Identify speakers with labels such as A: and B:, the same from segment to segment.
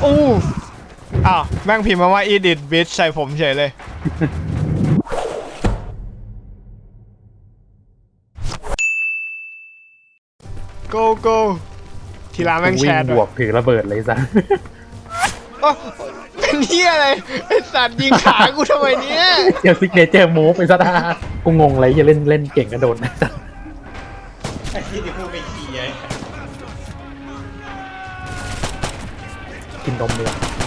A: อู้อ้าวแม่งพิมพ์มาว่า edit bitch ใส่ผมเฉยเลยโกโก้ทีละแม่งแชร์
B: บวกถือระเบิดเลยซะ
A: เป็นเหี้ยอะไรไอสัตว์ยิงขากูทำไมเนี้ย
B: เดี๋ยวซิกเนเจอร์มูฟไปซะนะกูงงเลยจะเล่นเก่งกระโดดนะจ๊ะ
C: ไอ้ที่จะพูดไปขี้ไง
B: กินนมเลย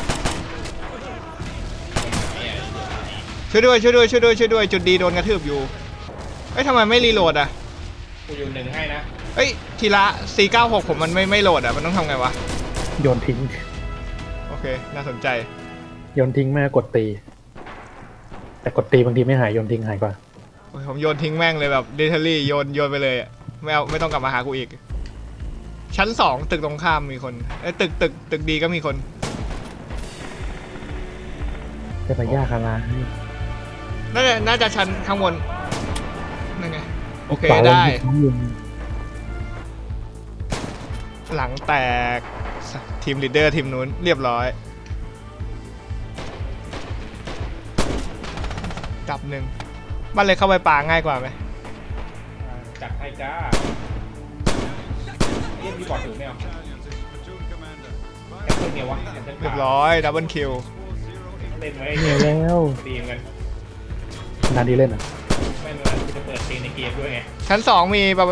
A: ช่วยด้วยช่วยด้วยช่วยด้วยช่วยด้วยจุดดีโดนกระทืบอยู่เอ้ยทำไมไม่รีโหลดอ่ะ
C: กูอยู่หนึ่งให้นะ
A: เอ้ยทีละ496ผมมันไม่โหลดอ่ะมันต้องทำไงวะ
B: โยนทิ้ง
A: โอเคน่าสนใจ
B: โยนทิ้งแม่กดตี แต่กดตีบางทีไม่หายโยนทิ้งหายกว่า
A: โอ้ยผมโยนทิ้งแม่งเลยแบบเดทลี่โยนไปเลยอะไม่ต้องกลับมาหากูอีกชั้น2ตึกตรงข้ามมีคนเอ้ยตึกดีก็มีคน
B: จะไปยากอะไร
A: น่าจะชั้นข้างบนนั่นไงโอเค
B: ขวา
A: ได้
B: ยิง
A: หลังแตกทีมลีดเดอร์ทีมนู้นเรียบร้อยจับหนึ่งบ้านเลยเข้าไปป่าง่ายกว่าไหม
C: จัดให้จ้าเรียกพี่บอดถือไม่เอาแค่คนเดียววะ
A: เรียบร้อยดับเบิลคิว
C: เล่นไว้
B: เหนื่อยแล้ว
C: ดีเหมือนกัน
B: นานดีเล่นอ่ะ
C: ไม่เหมือนกูจะเปิดเพลงในเกมด้วยไง
A: ชั้น2มีแบบ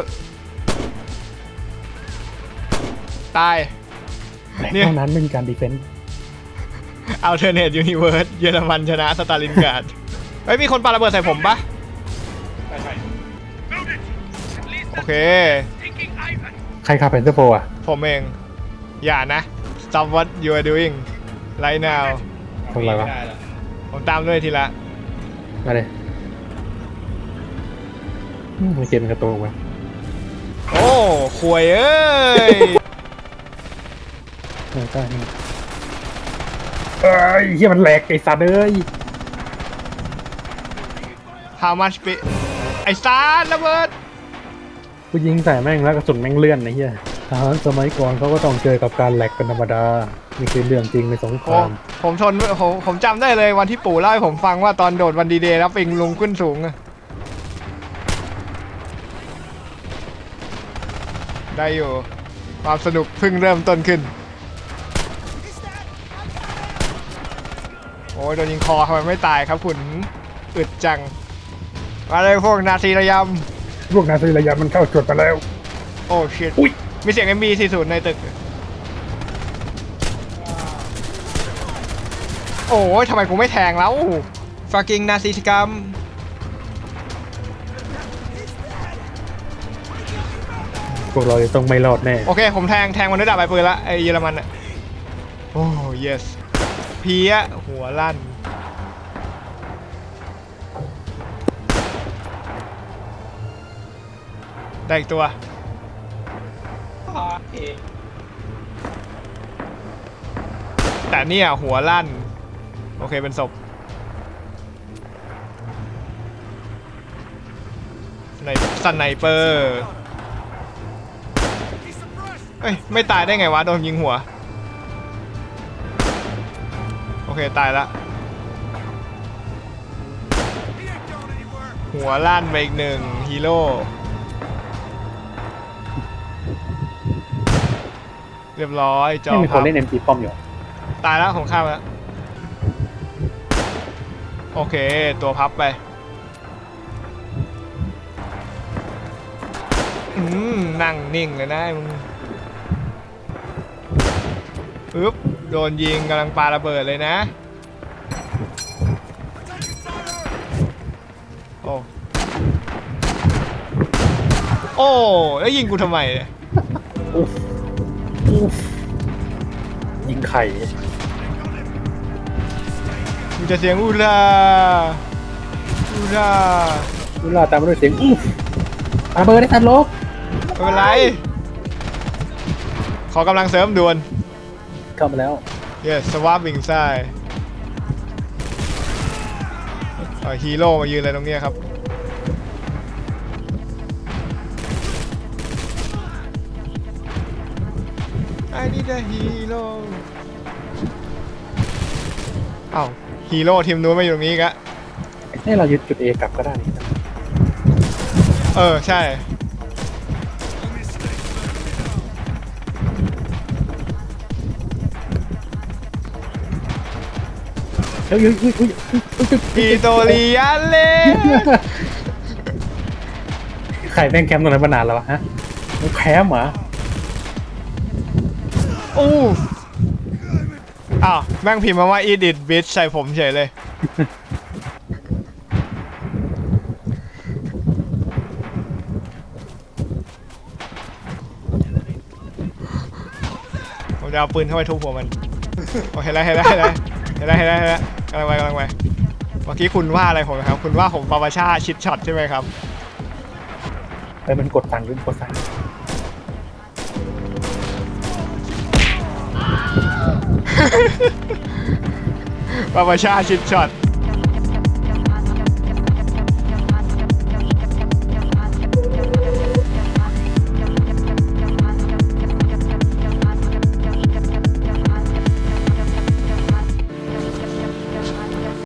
A: ตาย
B: แต่
A: เนี่ย
B: เท่านั้นไม่มีการดีเฟนต์
A: Alternate Universe เยอรมันชนะสตาลินกราดเฮ้ยมีคนปาระเบิดใส่ผมปะ
C: ใช่
A: โอเค
B: ใครขับเพนเซอร์โฟอ่ะ
A: ผมเอง อย่านะ Stop what you are doing right now
B: ทำอะไรวะ
C: ม่ด้หรอ
A: ผมตามด้วยทีละ
B: มาเลยเกมมันกระโตกว่ะ
A: โอ้ขวยเอ้ย
B: ใช่เอ้ยเฮียมันแหลกไอ้สัตว์เอ้ย
A: How much ไอ้ซาร์ระเบิด
B: กูยิงใส่แม่งแล้วกระสุนแม่งเลื่อนไอ้เหี้ยทหารสมัยก่อนเขาก็ต้องเจอกับการแหลกเป็นธรรมดานี่คือเรื่องจริงในสงคราม
A: ผมจำได้เลยวันที่ปู่เล่าให้ผมฟังว่าตอนโดดวันดีเดย์แล้วปิงลุงขึ้นสูงอะได้อยู่ความสนุกเพิ่งเริ่มต้นขึ้นโอ้ยโดนยิงคอทำไมไม่ตายครับคุณอึดจังมาเลยพวกนาทีระย
B: พวกนาซีระยะมันเข้าจุดไปแล้ว
A: ำโอ้ชิต
B: อุ๊ย
A: มีเสียง MB40 ในตึกโอ้ยทำไมกูไม่แทงแล้วฟากิงนาซีกรรม
B: พวกเราจะต้องไม่รอดแน่
A: โอเคผมแทงมันด้วยดาบใบปืนละไอเยอรมันอะโอ้ yes เพี้ยหัวลั่นได้อีกตัว
C: โอเค
A: แต่เนี่ยหัวลั่นโอเคเป็นศพสไนเปอร์เอ้ยไม่ตายได้ไงวะโดนยิงหัวโอเคตายละหัวลั่นไปอีกหนึ่งฮีโร่เรียบร้อยจอ
B: ไม่มีค
A: พั
B: น
A: บ
B: เล่น MC ป้อมอยู่
A: ตายแล้วผมข้ามแล้วโอเคตัวพับไปนั่งนิ่งเลยนะมึงอึ๊บโดนยิงกำลังปาระเบิดเลยนะโอ้โอ้แล้วยิงกูทำไมเนี่ย
B: อุ๊ฟยิงไข่
A: มึงจะเสียงอูราอูรา
B: เวลาตามมาด้วยเสียงอุ๊ฟระเบิดได้ทันโลก
A: ไม่เป็นไรขอกำลังเสริมด่วน
B: เข้ามาแล้ว
A: yes สวาปวิ่งซ้ายฮีโร่มายืนอะไรตรงเนี้ยครับ I need a hero อ้าวฮีโร่ทีมนู้นมาอยู่ตรงนี้อีกะ
B: ให้เรายึดจุด A กลับก็ได้นี่
A: เออใช่
B: เฮ้ย
A: อีโตเลียนเลย
B: ใครแม่งแคมป์ตรงนั้นมานานแล้ววะฮะแคมป์เหรอ
A: อู้อ้าวแม่งพิมพ์มาว่า edit bitch ใส่ผมเฉยเลย ผมจะเอาปืนเข้าไปทุบหัวมัน โอเคแล้วเห็นแล้วเห็นแล้วเห็นแล้วเห็นแล้วเห็นแล้วกำลังไปกำลังไปเมื่อกี้คุณว่าอะไรผมนะครับ คุณว่าผมปาปาชาชิดช็อตใช่ไหมครับ
B: ไปมันกดสั่งขึ้นกดสั่ง
A: ปาปาชาชิดช็อต